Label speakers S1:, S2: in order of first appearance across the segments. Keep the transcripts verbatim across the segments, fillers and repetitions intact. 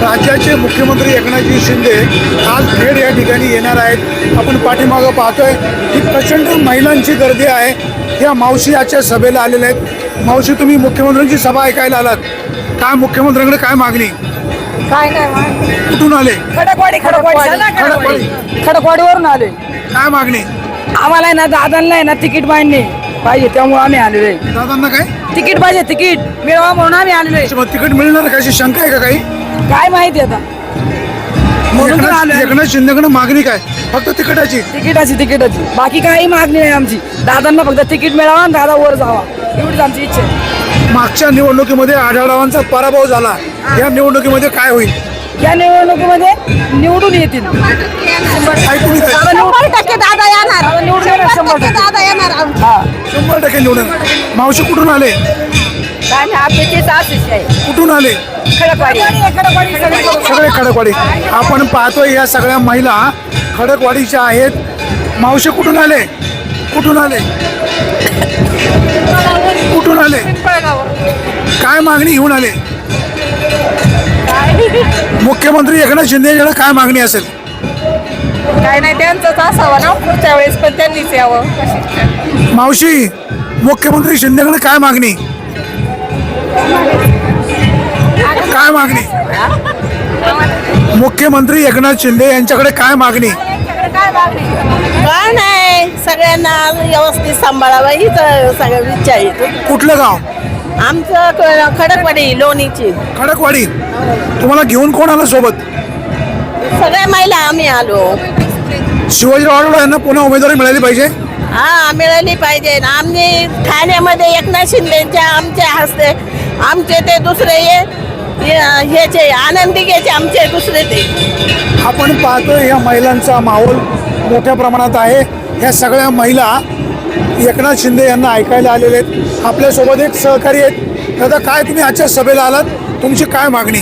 S1: राज्याचे मुख्यमंत्री एकनाथजी शिंदे आज खेड या ठिकाणी येणार आहेत। आपण पाठीमागं पाहतोय की प्रचंड महिलांची गर्दी आहे। या मावशी आजच्या सभेला आलेल्या आहेत। मावशी, तुम्ही मुख्यमंत्र्यांची सभा ऐकायला आलात, काय मुख्यमंत्र्यांकडे काय मागणी?
S2: काय नाही,
S1: कुठून आले?
S2: खडकवाडी खडकवाडी
S1: खडकवाडी
S2: खडकवाडीवरून आले।
S1: काय मागणी?
S2: आम्हाला आहे ना दादांना आहे ना तिकीट पाहिजे पाहिजे त्यामुळे आम्ही आलेलो आहे।
S1: दादांना काय
S2: तिकीट पाहिजे, तिकीट मिळवा म्हणून आम्ही आलेलो आहे।
S1: मग तिकीट मिळणार का अशी शंका आहे का काही?
S2: काय माहिती आता, म्हणून तर
S1: एकनाथ
S2: आलोय।
S1: एकनाथ शिंदेकडे मागणी काय? फक्त तिकिटाची?
S2: तिकिटाची तिकिटाची बाकी काही मागणी नाही आमची। दादांना फक्त तिकीट मिळावा आणि दादा वर जावा एवढीच आमची इच्छा आहे।
S1: मागच्या निवडणुकीमध्ये आढळरावांचा पराभव झाला, या निवडणुकीमध्ये काय होईल?
S2: या निवडणुकीमध्ये निवडून येतील।
S1: काय तुम्ही काय?
S2: दादा निवडून
S3: शंभर टक्के दादा येणार,
S2: दादा निवडून येणार, शंभर
S3: शंभर टक्के
S2: टक्के।
S3: दादा येणार आमचे।
S2: हा
S1: शंभर टक्के निवडून। मावशी, कुठून आले?
S2: काय नाही, आपल्याचीच आशिष आहे।
S1: कुठून आले?
S2: खडकवाडी खडकवाडी
S1: सगळे खडकवाडी। आपण पाहतोय या सगळ्या महिला खडकवाडीच्या आहेत। मावशी, कुठून आले? कुठून आले? कुठून आले? काय मागणी घेऊन आले? मुख्यमंत्री एकनाथ शिंदे यांच्याकडे काय मागणी असेल?
S3: काय नाही, त्यांचंच असावं ना पुढच्या वेळेस, पण त्यांनीच यावं।
S1: मावशी, मुख्यमंत्री शिंदेकडे काय मागणी? काय मागणी? मुख्यमंत्री एकनाथ शिंदे यांच्याकडे काय मागणी?
S3: काय नाही, सगळ्यांना व्यवस्थित सांभाळावं हीच सगळं इच्छा आहे।
S1: कुठलं गाव?
S3: आमचं क- खडकवाडी लोणीची
S1: खडकवाडी। तुम्हाला घेऊन कोण आलं सोबत?
S3: सगळ्या महिला आम्ही आलो।
S1: शिवाजीराव आढळराव यांना पुन्हा उमेदवारी मिळाली पाहिजे।
S3: हा, मिळाली पाहिजे ना। आम्ही ठाण्यामध्ये एकनाथ शिंदेच्या आमच्या हस्ते आमचे ते दुसरे ये ये- ह्याचे आनंदी घ्यायचे आमचे दुसरे ते।
S1: आपण पाहतोय या महिलांचा माहोल मोठ्या प्रमाणात आहे। या सगळ्या महिला एकनाथ शिंदे यांना ऐकायला आलेले आहेत। आपल्यासोबत एक सहकारी आहेत। दादा, काय तुम्ही आजच्या सभेला आलात, तुमची काय मागणी?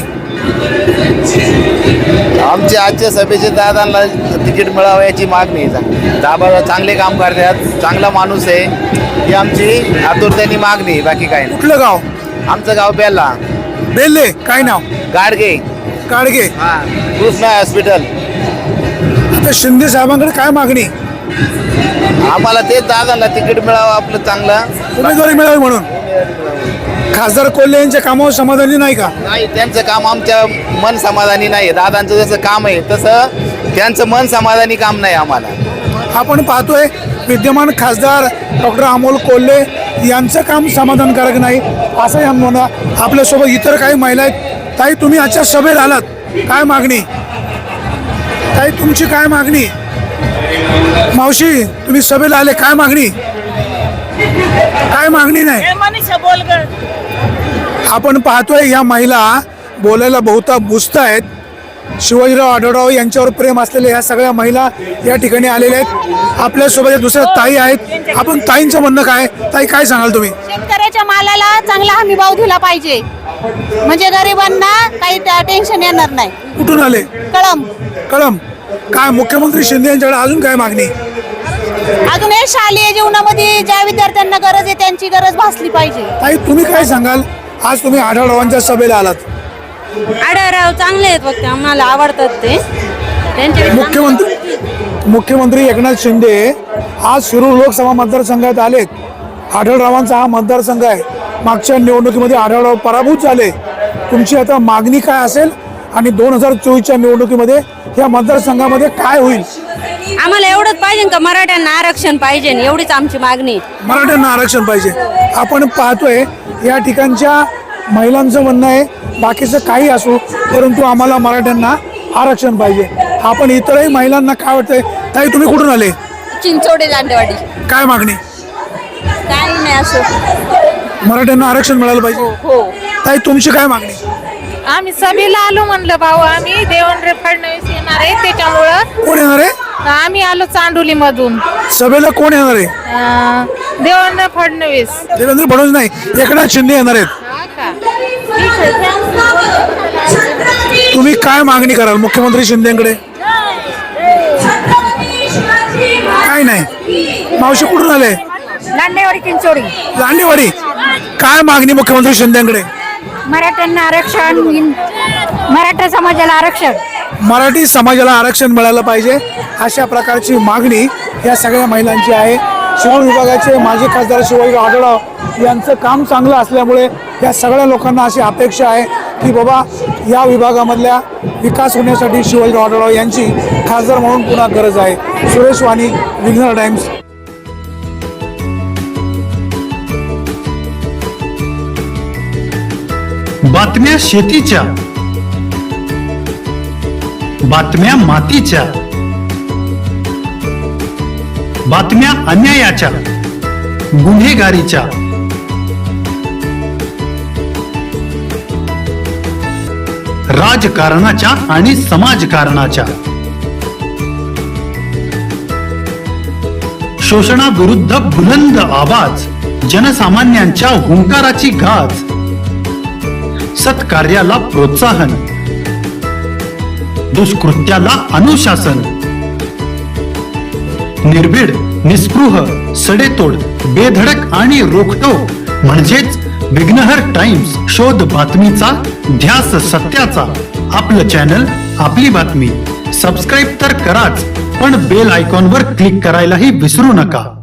S4: आमच्या आजच्या सभेचे दादांना तिकीट मिळावं याची मागणी आहे। दादा चांगले काम करतात, चांगला माणूस आहे, ही आमची आतुरतेने मागणी आहे, बाकी काय नाही।
S1: कुठलं गाव?
S4: आमचं गाव बेल्ला
S1: बेल्ले। काय नाव?
S4: गाडगे।
S1: गाडगे।
S4: हा, कृष्णा हॉस्पिटल।
S1: आता शिंदे साहेबांकडे काय मागणी?
S4: आम्हाला ते दादांना तिकीट मिळावं आपलं चांगलं,
S1: उमेदवारी मिळावी म्हणून। खासदार कोल्हे यांच्या कामावर समाधानी नाही का?
S4: नाही, त्यांचं काम आमच्या मन समाधानी नाही। दादांचं जसं काम आहे तसं त्यांचं मन समाधानी काम नाही आम्हाला।
S1: आपण पाहतोय विद्यमान खासदार डॉक्टर अमोल कोल्हे यांचं काम समाधानकारक नाही असं या म्हणा। आपल्यासोबत इतर काही महिला आहेत। ताई, तुम्ही आजच्या सभेत आलात, काय मागणी? ताई, तुमची काय मागणी? मावशी, तुम्ही सभेला आले, काय मागणी? काय मागणी नाही?
S3: मनीषा बोल ग।
S1: आपण पाहतोय या महिला बोलायला बहुता बुजत आहेत। शिवाजीराव आढळराव यांच्यावर प्रेम असलेल्या या सगळ्या महिला या ठिकाणी आलेल्या आहेत। आपल्यासोबत दुसऱ्या ताई आहेत। आपण ताईंचं म्हणणं काय? ताई, काय सांगाल तुम्ही?
S5: शेतकऱ्याच्या मालाला चांगला हमी भाव दिला पाहिजे, म्हणजे गरिबांना काही टेन्शन येणार नाही।
S1: कुठून आले?
S5: कळम
S1: कळम। काय मुख्यमंत्री शिंदे यांच्याकडे अजून काय मागणी?
S5: अजून हे शालेय जीवनामध्ये ज्या विद्यार्थ्यांना गरज आहे त्यांची गरज भासली पाहिजे।
S1: ताई, तुम्ही काय सांगाल? आज तुम्ही आढळरावांच्या सभेला आलात।
S6: आढळराव चांगले आहेत, फक्त आम्हाला आवडतात ते त्यांचे
S1: मुख्यमंत्री मुख्यमंत्री एकनाथ शिंदे आज शिरूर लोकसभा मतदारसंघात आलेत। आढळरावांचा हा मतदारसंघ आहे। मागच्या निवडणुकीमध्ये आढळराव पराभूत झाले। तुमची आता मागणी काय असेल आणि दोन हजार चोवीसच्या निवडणुकीमध्ये या मतदारसंघामध्ये काय होईल?
S6: आम्हाला एवढंच पाहिजे का मराठ्यांना आरक्षण पाहिजे, एवढीच आमची मागणी।
S1: मराठ्यांना आरक्षण पाहिजे। आपण पाहतोय या ठिकाणच्या महिलांचं म्हणणं आहे बाकीचं काही असो, परंतु आम्हाला मराठ्यांना आरक्षण पाहिजे। आपण इतरही महिलांना काय वाटतंय? ताई, तुम्ही कुठून आले?
S6: चिंचोडे लांडेवाडी।
S1: काय मागणी?
S6: काही नाही असं,
S1: मराठ्यांना आरक्षण मिळालं पाहिजे।
S6: हो।
S1: ताई, तुमची काय मागणी?
S7: आम्ही सभेला आलो म्हणलं भाऊ, आम्ही देवेंद्र फडणवीस येणार आहे त्याच्यामुळं
S1: कोण येणार आहे?
S7: आम्ही आलो चांडोली मधून।
S1: सभेला कोण येणार आहे?
S7: देवेंद्र फडणवीस।
S1: देवेंद्र फडणवीस नाही, एकनाथ शिंदे येणार आहेत। तुम्ही काय मागणी कराल मुख्यमंत्री शिंदेकडे? काय नाही। मावशी, कुठून आले?
S5: लांडेवाडी चिंचोडी।
S1: लांडेवाडी। काय मागणी मुख्यमंत्री शिंदेकडे?
S5: मराठ्यांना आरक्षण,
S7: मराठा समाजाला आरक्षण.
S1: मराठी समाजाला आरक्षण मिळालं पाहिजे अशा प्रकारची मागणी या सगळ्या महिलांची आहे. शिरूर विभागाचे माजी खासदार शिवाजीराव आढळराव यांचं काम चांगलं असल्यामुळे या सगळ्या लोकांना अशी अपेक्षा आहे की बाबा या विभागामधल्या विकास होण्यासाठी शिवाजीराव आढळराव यांची खासदार म्हणून पुन्हा गरज आहे. सुरेश वाणी, विघ्नर टाइम्स.
S8: बातम्या शेतीच्या, बातम्या मातीच्या, बातम्या अन्यायाच्या, गुन्हेगारीच्या, राजकारणाच्या आणि समाजकारणाच्या, शोषणाविरुद्ध बुलंद आवाज, जनसामान्यांच्या हुंकाराची गाज, सत्कार्याला प्रोत्साहन, दुष्कृत्याला अनुशासन, निर्भीड, निस्पृह, सडेतोड, बेधडक आणि रोखटोक म्हणजेच विघ्नहर टाइम्स. शोध बातमीचा, ध्यास सत्याचा. आपलं चॅनल, आपली बातमी. सबस्क्राईब तर कराच, पण बेल आयकॉनवर क्लिक करायलाही विसरू नका.